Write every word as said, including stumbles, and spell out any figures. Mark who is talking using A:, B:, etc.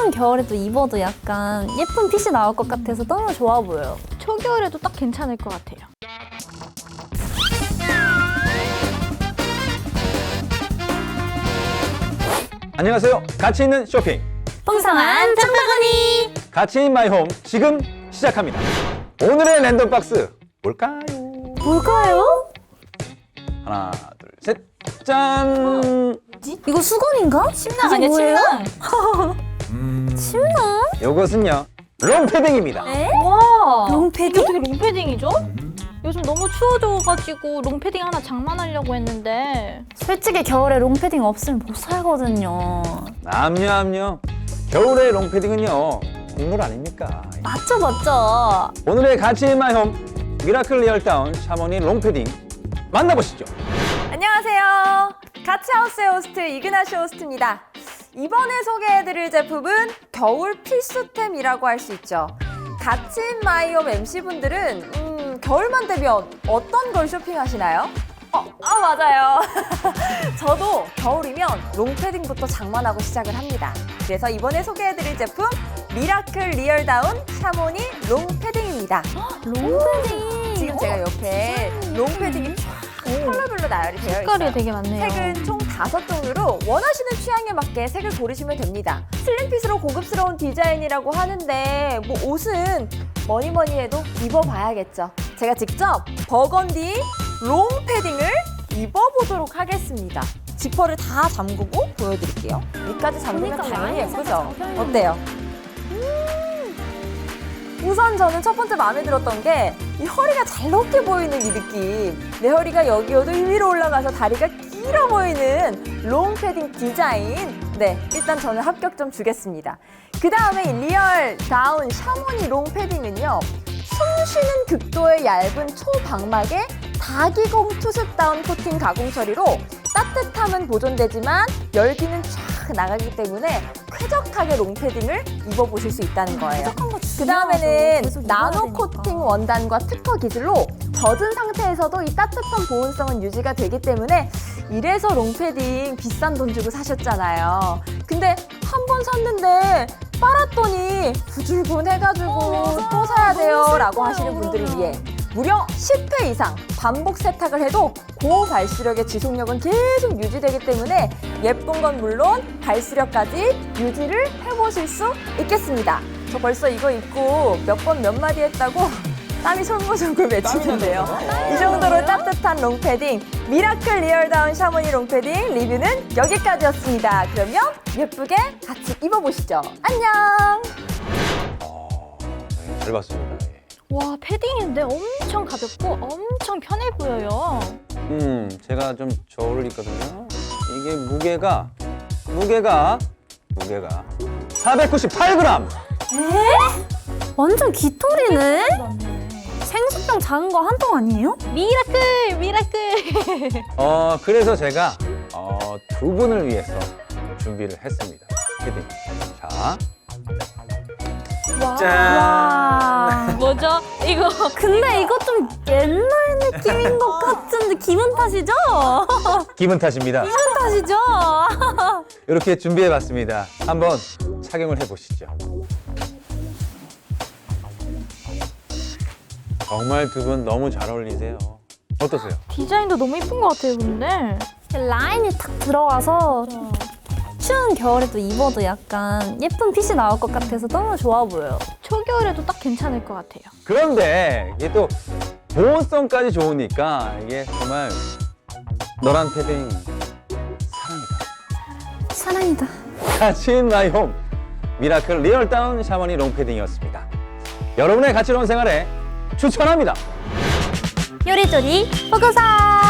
A: 추운 겨울에도 입어도 약간 예쁜 핏이 나올 것 같아서 너무 좋아 보여요.
B: 초겨울에도 딱 괜찮을 것 같아요.
C: 안녕하세요. 가치 있는 쇼핑,
A: 풍성한 장바구니!
C: 가치 인 마이 홈 지금 시작합니다. 오늘의 랜덤 박스 뭘까요?
A: 뭘까요?
C: 하나, 둘, 셋, 짠!
A: 이거 수건인가?
B: 침낭
A: 이게
B: 아니야,
A: 뭐예요?
B: 침낭?
A: 침낭?
C: 요것은요, 롱패딩입니다.
A: 에?
B: 와,
A: 롱패딩?
B: 이게 어떻게 롱패딩이죠? 요즘 너무 추워져가지고 롱패딩 하나 장만하려고 했는데
A: 솔직히 겨울에 롱패딩 없으면 못 살거든요.
C: 남녀 남녀 겨울의 롱패딩은요, 국물 아닙니까?
A: 맞죠, 맞죠?
C: 오늘의 가치 인 마이 홈 미라클 리얼다운 샤머니 롱패딩 만나보시죠.
D: 안녕하세요. 가치하우스의 호스트 이그나시 호스트입니다. 이번에 소개해드릴 제품은 겨울 필수템이라고 할 수 있죠. 가치인 마이홈 엠씨분들은 음, 겨울만 되면 어떤 걸 쇼핑하시나요? 어, 아 맞아요. 저도 겨울이면 롱패딩부터 장만하고 시작을 합니다. 그래서 이번에 소개해드릴 제품 미라클 리얼다운 샤모니 롱패딩입니다.
A: 롱패딩!
D: 지금 제가 옆에 롱패딩이 쫙 컬러별로 나열이 되어
B: 색깔이
D: 있어요.
B: 되게 많네요.
D: 색은 총 다섯 종류로 원하시는 취향에 맞게 색을 고르시면 됩니다. 슬림핏으로 고급스러운 디자인이라고 하는데 뭐 옷은 뭐니 뭐니 해도 입어봐야겠죠. 제가 직접 버건디 롱 패딩을 입어보도록 하겠습니다. 지퍼를 다 잠그고 보여드릴게요. 위까지 잠그면
A: 그러니까
D: 당연히
A: 라인이
D: 예쁘죠?
A: 살짝 잡혀있는
D: 어때요? 우선 저는 첫 번째 마음에 들었던 게 이 허리가 잘 높게 보이는 이 느낌. 내 허리가 여기여도 위로 올라가서 다리가 길어 보이는 롱 패딩 디자인. 네, 일단 저는 합격점 주겠습니다. 그 다음에 리얼 다운 샤모니 롱 패딩은요. 숨 쉬는 극도의 얇은 초방막에 다기공 투습 다운 코팅 가공 처리로 따뜻함은 보존되지만 열기는 쫙 나가기 때문에 쾌적하게 롱패딩을 입어보실 수 있다는 거예요. 그 다음에는 나노 코팅 원단과 특허 기술로 젖은 상태에서도 이 따뜻한 보온성은 유지가 되기 때문에 이래서 롱패딩 비싼 돈 주고 사셨잖아요. 근데 한 번 샀는데 빨았더니 부줄근 해가지고
A: 어,
D: 또 사야 돼요
A: 너무
D: 라고
A: 슬퍼요,
D: 하시는 분들을
A: 그러면.
D: 위해 무려 십 회 이상 반복 세탁을 해도 고발수력의 지속력은 계속 유지되기 때문에 예쁜 건 물론 발수력까지 유지를 해보실 수 있겠습니다. 저 벌써 이거 입고 몇 번 몇 마디 했다고 땀이 솔솔솔 맺히는데요. 이 정도로 따뜻한 롱패딩 미라클 리얼다운 샤머니 롱패딩 리뷰는 여기까지였습니다. 그러면 예쁘게 같이 입어보시죠. 안녕!
C: 어, 네, 잘 봤습니다. 예.
B: 와, 패딩인데 엄청 가볍고 엄청 편해 보여요.
C: 음, 제가 좀 저울을 입거든요. 이게 무게가 무게가 무게가 사백구십팔 그램.
A: 완전 깃털이네? 생수병 작은 거 한 통 아니에요?
B: 미라클, 미라클.
C: 어, 그래서 제가 어, 두 분을 위해서 준비를 했습니다. 패딩. 자,
B: 와.
C: 짠.
A: 와.
B: 뭐죠? 이거
A: 근데 이거 좀 옛날 느낌인 것 같은데 기분 탓이죠?
C: 기분 탓입니다.
A: 기분 탓이죠?
C: 이렇게 준비해봤습니다. 한번 착용을 해보시죠. 정말 두 분 너무 잘 어울리세요. 어떠세요?
B: 디자인도 너무 예쁜 것 같아요, 근데.
A: 라인이 탁 들어가서 추운 겨울에도 입어도 약간 예쁜 핏이 나올 것 같아서 너무 좋아 보여요.
B: 초겨울에도 딱 괜찮을 것 같아요.
C: 그런데 이게 또 보온성까지 좋으니까 이게 정말 너란 패딩 사랑이다.
A: 사랑이다.
C: 가치 인 마이 홈 미라클 리얼다운 샤머니 롱패딩이었습니다. 여러분의 가치로운 생활에 추천합니다.
A: 요리조리 보고서!